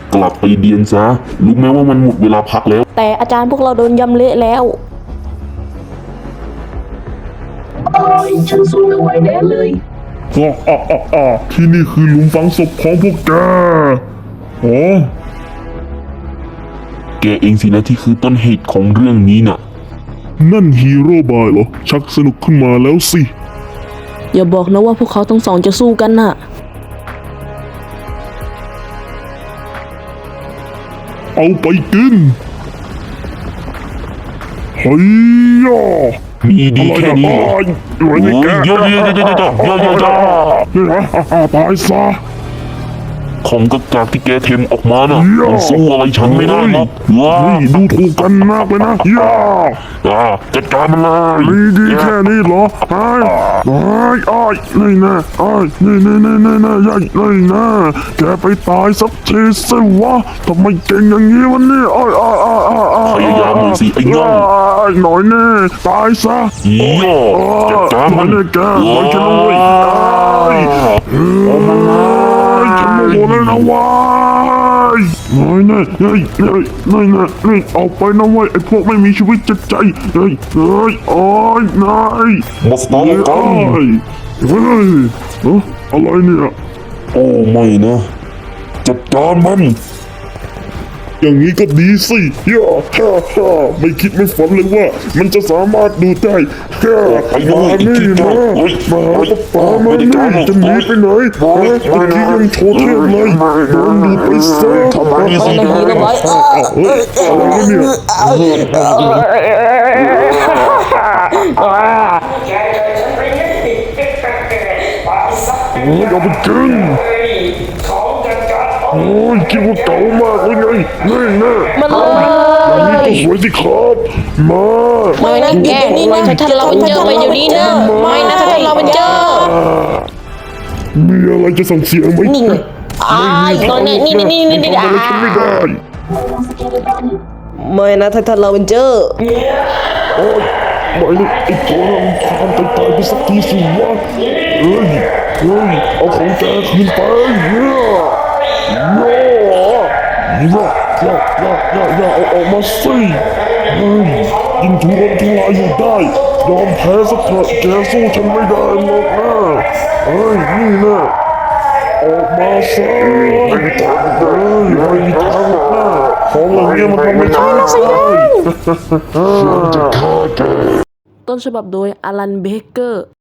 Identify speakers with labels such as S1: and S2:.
S1: กลับไปเรียนซะรู้ไหมว่ามันหมดเวลาพักแล้ว
S2: แต่อาจารย์พวกเราโดนยำเละแล้ว
S3: โอ้ยฉันสู้ไม่ไหวแน่เลย
S1: ที่นี่คือหลุมฝังศพของพวกแกโอ้แกเองสินะที่คือต้นเหตุของเรื่องนี้น่ะนั่นฮีโร่บายเหรอชักสนุกขึ้นมาแล้วสิ
S2: อย่าบอกนะว่าพวกเขาทั้งสองจะสู้กันน่ะ
S1: เอาไปกินเฮ้ยมีดีแค่นี้เหรอโอ้ยเยอะตายซะของกากที่แกเทมออกมาน่ะมันสู้อะไรฉันไม่ได้หรอกว้าดูถูกกันมากเลยนะจัดการมันเลยมีดีแค่นี้เหรอนี่นะนี่นะแกไปตายสักทีสิวะทำไมเก่งอย่างนี้วะเนี่ยพยายามหน่อยสิไอ้น้องหน่อยแน่ตายซะจัดการมันแกหน่อยฉันเลยฉันโมโหเลยนะวายน้อยเอาไปนะเว้ยไอ้พวกไม่มีชีวิตจิตใจนายมาสตาร์ทกันอะไรเนี่ยโอ้ไม่นะจัดการมันอย่างนี้ก็ดีสิไม่คิดไม่ฝันเลยว่ามันจะสามารถดูได้มานี่นะมาป้ามานี่จะหนีไปไหนเมื่อกี้ยังโชว์เทพเลยโดนดูไปซะอะไรเนี่ยเอาไปกินโอ้ยคิดว่าเก่ามากเลยไงนี่นะ
S2: มันเลย
S1: นี่ก็สวยสิครับมา
S2: ไม่นะแกนี่นะถ้าเราเป็นเจอไปเดี๋ยวนี้นะไม่นะถ้าเราเป็นเจอ
S1: มีอะไรจะสั่งเสียงไหม
S2: นี่ไงตอนนี้นี่
S1: ทำอะไรฉันไม่ได้
S2: ไม่นะถ้าเราเป็นเจอ
S1: โอ้ยไม่เลยไอ้ตัวนั้นตายไปสักทีสิวะเฮ้ยเอาของแกคืนไปอย่าเอาออกมาสิยิงทุรนทุรายอยู่ได้ยอมแพ้สักเถอะแกสู้ฉันไม่ได้หรอกนะนี่นะออกมาซะไม่มีทางหรอกนะของอย่างเงี้ยมันทำไม่ได้ฉันจะฆ่าแก
S2: ต้นฉบับโดยอลันเบเกอร์